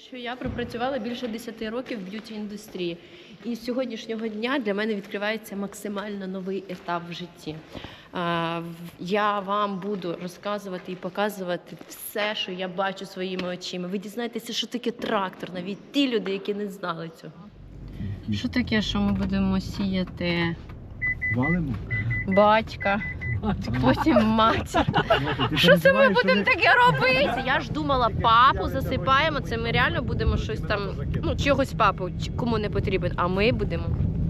Що я пропрацювала більше 10 років в б'юті-індустрії. І з сьогоднішнього дня для мене відкривається максимально новий етап в житті. Я вам буду розказувати і показувати все, що я бачу своїми очима. Ви дізнаєтеся, що таке трактор, навіть ті люди, які не знали цього. Що таке, що ми будемо сіяти? Валимо? Батька. Потім матір. Що це ми будемо таке робити? Я ж думала, папу засипаємо, це ми реально будемо щось там, ну, чогось папу, кому не потрібен, а ми будемо.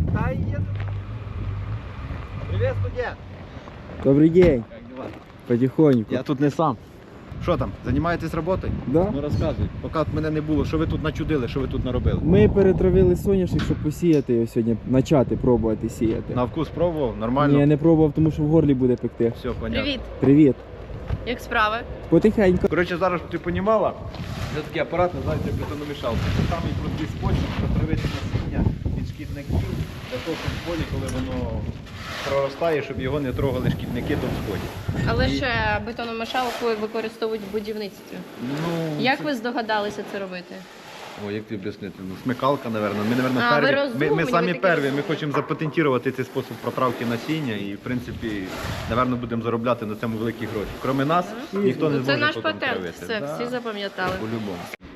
Привіт, студент! Добрий день. Як дела? Потихоньку. Я тут не сам. Що там, займаєтесь роботою? Да? Ну розказуй. Поки мене не було, що ви тут начудили, що ви тут наробили? Ми перетравили соняшник, щоб посіяти його сьогодні, почати пробувати сіяти. На вкус пробував? Нормально? Ні, я не пробував, тому що в горлі буде пекти. Все, понятно. Привіт, Привіт. як справи? Потихеньку. Коротше, зараз, щоб ти розуміла, це такий апарат називається бетономішалка. Це самий простий спосіб протравити насіння від шкідників для того, щоб в полі, коли воно проростає, щоб його не трогали шкідники до всході. Але ще бетономішалку використовують в будівництві. Ну, Як ви здогадалися це робити? О, як тобі об'яснити? Ну, смикалка, напевно. Ми, напевно, А, ви перві. розумні, Ми ви самі такі перві. Ми розумні. хочемо запатентувати цей спосіб протравки насіння і, в принципі, напевно, будемо заробляти на цьому великі гроші. Крім нас, ніхто не Це зможе наш потім патент, травити. все, Да, всі запам'ятали. по-любому.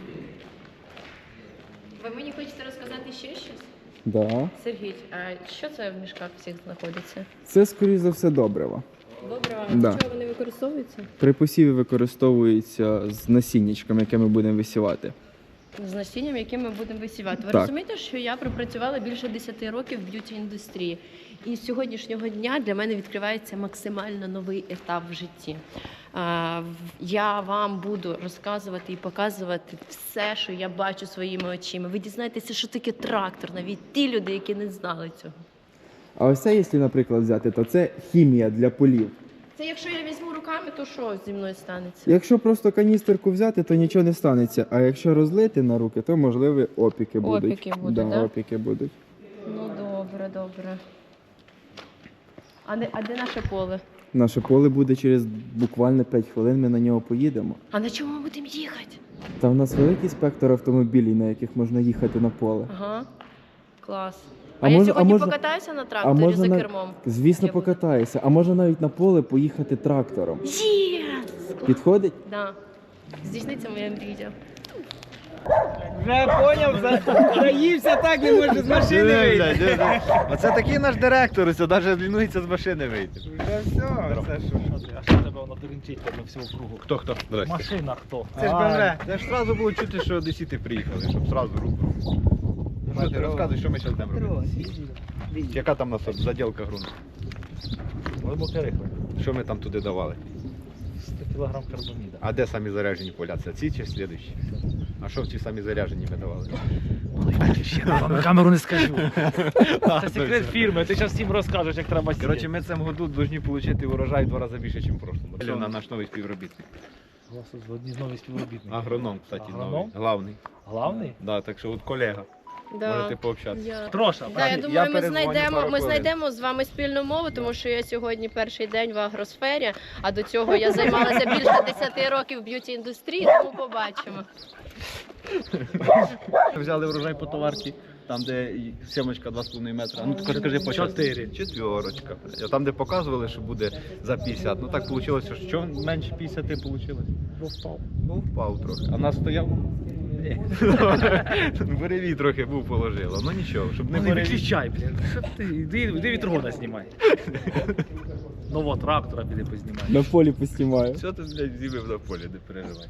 Ви мені хочете розказати ще щось? Да. Сергій, а що це в мішках всіх знаходиться? Це, скоріш за все, добриво. Добре, а Да. для чого вони використовуються? При посіві використовується з насіннячком, яке ми будемо висівати. З насінням, яким ми будемо висівати. Ви Так. розумієте, що я пропрацювала більше 10 років в б'юті-індустрії. І з сьогоднішнього дня для мене відкривається максимально новий етап в житті. Я вам буду розказувати і показувати все, що я бачу своїми очима. Ви дізнаєтеся, що таке трактор, навіть ті люди, які не знали цього. А ось це, якщо, наприклад, взяти, то це хімія для полів. Це якщо я візьму руками, то що зі мною станеться? Якщо просто каністерку взяти, то нічого не станеться. А якщо розлити на руки, то можливі опіки будуть. Опіки будуть, да? Опіки будуть. Ну добре, добре. А де наше поле? Наше поле буде через буквально 5 хвилин, ми на нього поїдемо. А на чому ми будемо їхати? Та в нас великий спектр автомобілів, на яких можна їхати на поле. Ага, клас. А А я можна- сьогодні можна- покатаюся на тракторі за кермом? Звісно, Я буду. покатаєшся. А можна навіть на поле поїхати трактором. Єс! Підходить? Да. Здійсниться моя мрія. Вже поняв, заївся так, не може з машини вийти. Оце такий наш директор, ось навіть лінується з машини вийти. Вже все, це що? А що тебе воно дорінчить на всього кругу? Хто? Здрасте. Машина хто? Це ж БМВ. Це ж одразу було чути, що одесіти приїхали, щоб одразу руку. Що ти розказуй, що ми зараз будемо робити? Яка там у нас заділка ґрунту? Глибоке рихле. Що ми там туди давали? 100 кг карбаміда. А де самі заряджені поля? Це ці чи слідуючі? А що в ці самі заряджені ми давали? Я вам на камеру не скажу. Це секрет фірми, ти зараз всім розкажеш, як треба сіяти. Коротше, ми цим году повинні отримати урожай в 2 рази більше, ніж в прошлому. Це на наш новий співробітник. Одні з нових співробітників. Агроном, кстати, новий. Агроном? Главний. Главний? Да, так що от колега. Можете пообщатися. Я... Троша. Да, я Я думаю, перезвоню пару ми хвилин. знайдемо з вами спільну мову, тому що я сьогодні перший день в агросфері, а до цього я займалася більше 10 років в б'юті-індустрії, тому побачимо. Взяли врожай по товарці, там де сімочка 2,5 метра. Ну тільки скажи по 4. Четверочка. А там де показували, що буде за 50. Ну так вийшло, що менше 50 вийшло. Впав. Ну впав трохи. А нас стояв? Ні. Буревій трохи був положило. Ну нічого, щоб не Не буревій. виключай, блін. Що ти? Іди вітрогона знімай. Нового трактора піди познімай. На полі поснімаю. Що ти, блядь, з'ївив на полі, не переживай.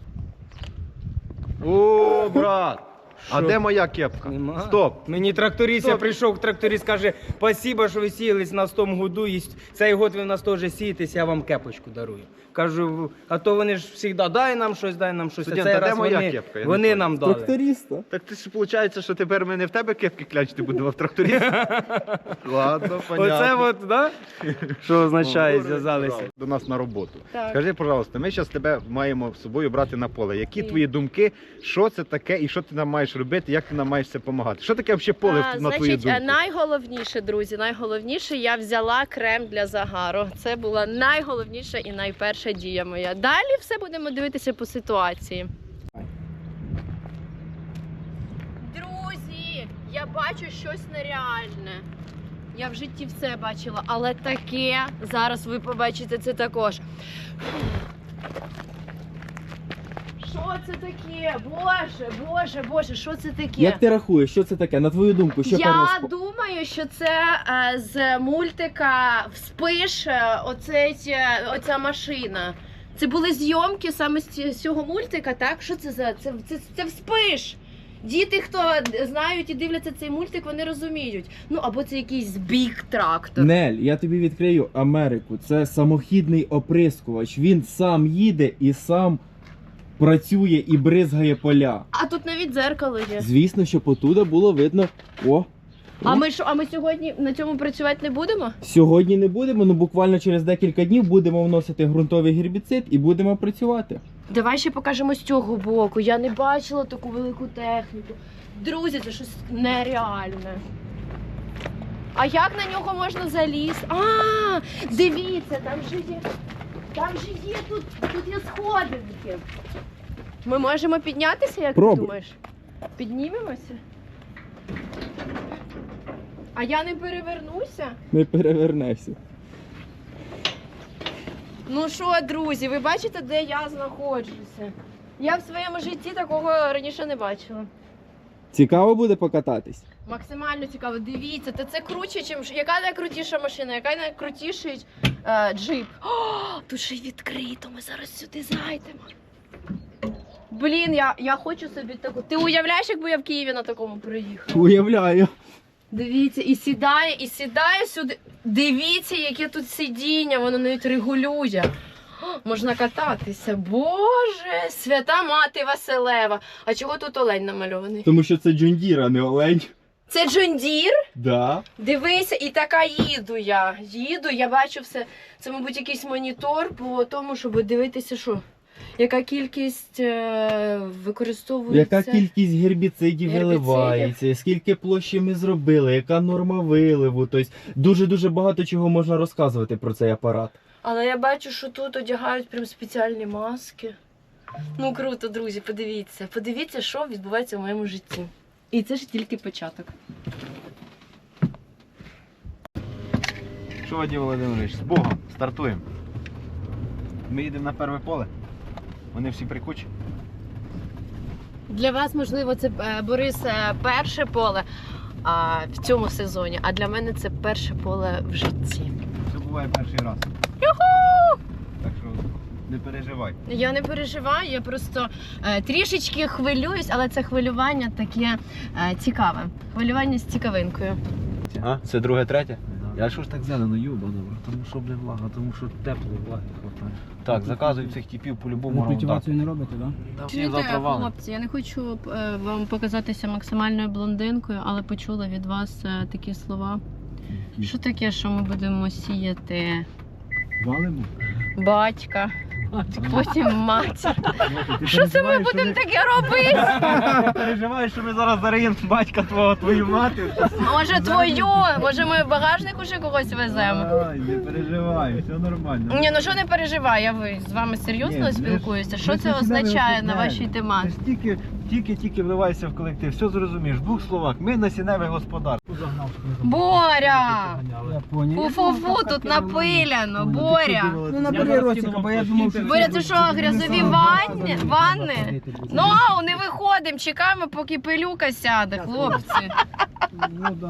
О, брат! А Що? де моя кепка? Нема. Стоп! Мені тракторист, я Стоп. прийшов, тракторист каже, спасибо, що ви сіялись на 100 году, і цей год ви в нас теж сієтесь, я вам кепочку дарую. Кажу, а то вони ж завжди, дай нам щось, дай нам щось. Студент, а цей а де раз моя вони, кепка? Я не вони понял. нам дали. Тракториста. Так ти ж виходить, що тепер ми не в тебе кепки клячити будемо, а в тракторі. Ладно, понятно. Оце от, да? Що означає, О, зв'язалися. До нас на роботу. Так. Скажи, пожалуйста, ми зараз тебе маємо з собою брати на поле. Які І? твої думки, що це таке і що ти нам маєш робити, як ти нам маєш це допомагати? Що таке взагалі поле, на твою Значить, думку? найголовніше, друзі, найголовніше, я взяла крем для загару. Це була найголовніша і найперша дія моя. Далі все будемо дивитися по ситуації. Я бачу щось нереальне. Я в житті все бачила, але таке, зараз ви побачите це також. Що це таке? Боже, боже, боже, що це таке? Як ти рахуєш, що це таке? На твою думку, що Я перше? думаю, що це з мультика «Вспиш», оця машина. Це були зйомки саме з цього мультика, так? Що це за? Це «Вспиш». Діти, хто знають і дивляться цей мультик, вони розуміють. Ну, або це якийсь біг-трактор. Нель, я тобі відкрию Америку. Це самохідний оприскувач. Він сам їде і сам працює і бризгає поля. А тут навіть дзеркало є. Звісно, що потуда було видно. О! А ми сьогодні на цьому працювати не будемо? Сьогодні не будемо, ну буквально через декілька днів будемо вносити ґрунтовий гербіцид і будемо працювати. Давай ще покажемо з цього боку. Я не бачила таку велику техніку. Друзі, це щось нереальне. А як на нього можна залізти? А, дивіться, там же є тут є сходинки. Ми можемо піднятися, як Пробуй. ти думаєш? Піднімемося? А я не перевернуся? Не перевернешся. Ну що, друзі, ви бачите, де я знаходжуся? Я в своєму житті такого раніше не бачила. Цікаво буде покататись? Максимально цікаво. Дивіться, це круче, чим яка найкрутіша машина, яка найкрутіший джип. О, тут ще й відкрито. Ми зараз сюди зайдемо. Блін, я хочу собі таку. Ти уявляєш, якби я в Києві на такому приїхала? Уявляю. Дивіться, і сідає сюди. Дивіться, яке тут сидіння, воно навіть регулює. О, можна кататися. Боже, свята мати Василева. А чого тут олень намальований? Тому що це Джондір, а не олень. Це Джон Дір? Да. Дивися, і така їду я. Я бачу все. Це, мабуть, якийсь монітор по тому, щоб дивитися, що. Яка кількість використовується. Яка кількість гербіцидів Гербіцидів. виливається, скільки площі ми зробили, яка норма виливу. Тобто дуже-дуже багато чого можна розказувати про цей апарат. Але я бачу, що тут одягають прям спеціальні маски. Ну круто, друзі, подивіться. Подивіться, що відбувається в моєму житті. І це ж тільки початок. Що, Вадим Володимирович, з Богом, стартуємо. Ми їдемо на перше поле. Вони всі прикучі. Для вас, можливо, це, Борис, перше поле в цьому сезоні, а для мене це перше поле в житті. Це буває перший раз. Так що не переживай. Я не переживаю, я просто трішечки хвилююсь, але це хвилювання таке цікаве. Хвилювання з цікавинкою. А? Це друге, третє? Я що ж так зелено, юба, добре, тому що блин влага, тому що тепло, влаги хватає. Так, заказують цих типів по-любому раундап. Культивацію не робите, так? Да? Всі завтра валом. Хлопці, я не хочу вам показатися максимальною блондинкою, але почула від вас такі слова. Що таке, що ми будемо сіяти Валимо? батька, потім матір? Що це ми будемо таке робити? Переживаєш, що ми зараз зариємо батька твою мати? Може твою? Може ми в багажник уже когось веземо? Ай, не переживай, все нормально. Ні, ну що не переживай, я з вами серйозно Ні, спілкуюся. Що ми це ж означає на розмовляємо. вашій Ти тематиці? ж тільки вливайся в колектив, все зрозумієш. В двох словах, ми насінневе господарство. Боря! Я поняв. Фу-фу-фу, тут напиляно, Боря! Ну набери ротика, бо я думав, що... Боря, це що, грязові ванни? Ну, не виходимо, чекаємо, поки пилюка сяде, хлопці. Ну да.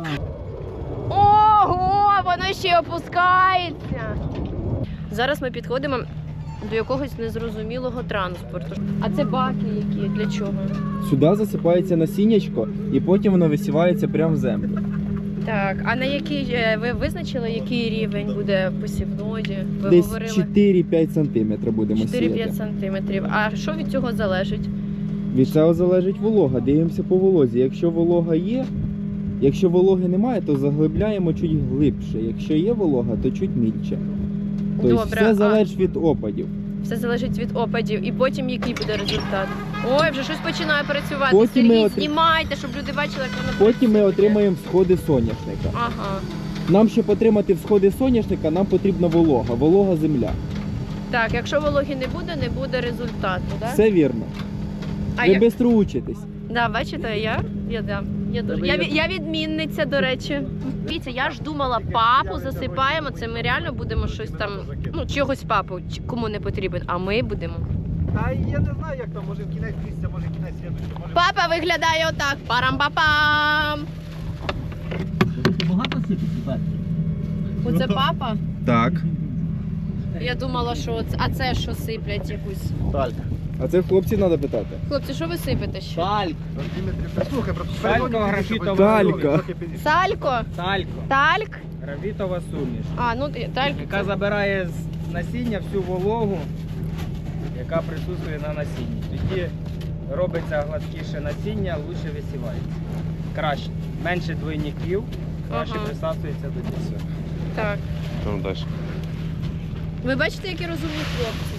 Ого, воно ще опускається. Зараз ми підходимо до якогось незрозумілого транспорту. А це баки які? Для чого? Сюди засипається насіннячко і потім воно висівається прямо в землю. Так, а на який ви визначили, який рівень буде посівної? Ви Десь говорили 4-5 см будемо 4-5 сіяти. сантиметрів. А що від цього залежить? Від цього залежить волога. Дивимося по волозі. Якщо волога є, якщо вологи немає, то заглибляємо чуть глибше. Якщо є волога, то чуть мільче. Тобто Добре, все а- залежить від опадів. Все залежить від опадів. І потім який буде результат? Ой, вже щось починає працювати. Потім ми Сергій, отри- знімайте, щоб люди бачили, як воно Потім ми працює. отримаємо всходи соняшника. Ага. Нам, щоб отримати всходи соняшника, нам потрібна волога земля. Так, якщо вологі не буде результату, так? Все вірно. А Ви як? швидко учитесь. Да, бачите, Я відмінниця, до речі. Дивіться, я ж думала, папу засипаємо, це ми реально будемо щось там, ну, чогось папу, кому не потрібен, а ми будемо. Та я не знаю, як там, може в кінець місяця, може кінець слідуючого, може... Папа виглядає отак. Парам-папам. Багато сипить? Оце папа? Так. Я думала, що це що сиплять якусь. Талька. А це хлопців треба питати. Хлопці, що ви сипете ще? Тальк. Слухай, Талько, графітова Талька. Салько? Талько. Тальк? Графітова суміш. А, ну тальк. Яка забирає з насіння всю вологу, яка присутствує на насінні. Тоді робиться гладкіше насіння, лучше висівається. Краще. Менше двойників, краще Ага. присасується до дісу. Так. Там далі. Ви бачите, які розумні хлопці?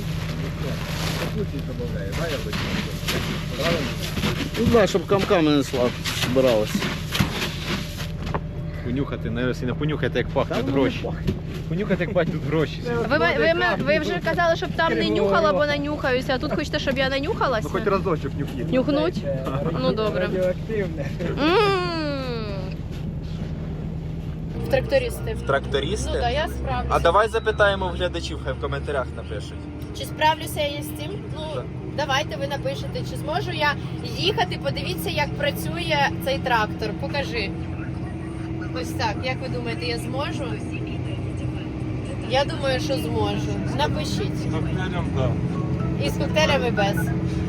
Ну да, щоб камками не збиралося. Понюхати, не понюхайте, як пахнуть гроші. Понюхати, як пахнуть гроші. Ви вже казали, щоб там не нюхала, бо нанюхаюся, а тут хочете, щоб я нанюхалася? Ну хоч разочок нюхніть. Нюхнуть? Ну добре. Радіоактивне. В трактористи. Ну Трактористи? так, я справлюся. А давай запитаємо в глядачів, хай в коментарях напишуть. Чи справлюся я з цим? Ну, давайте ви напишете, чи зможу я їхати, подивіться, як працює цей трактор. Покажи. Ось так, як ви думаєте, я зможу? Я думаю, що зможу. Напишіть. З коктейлем, так. І з коктейлями без.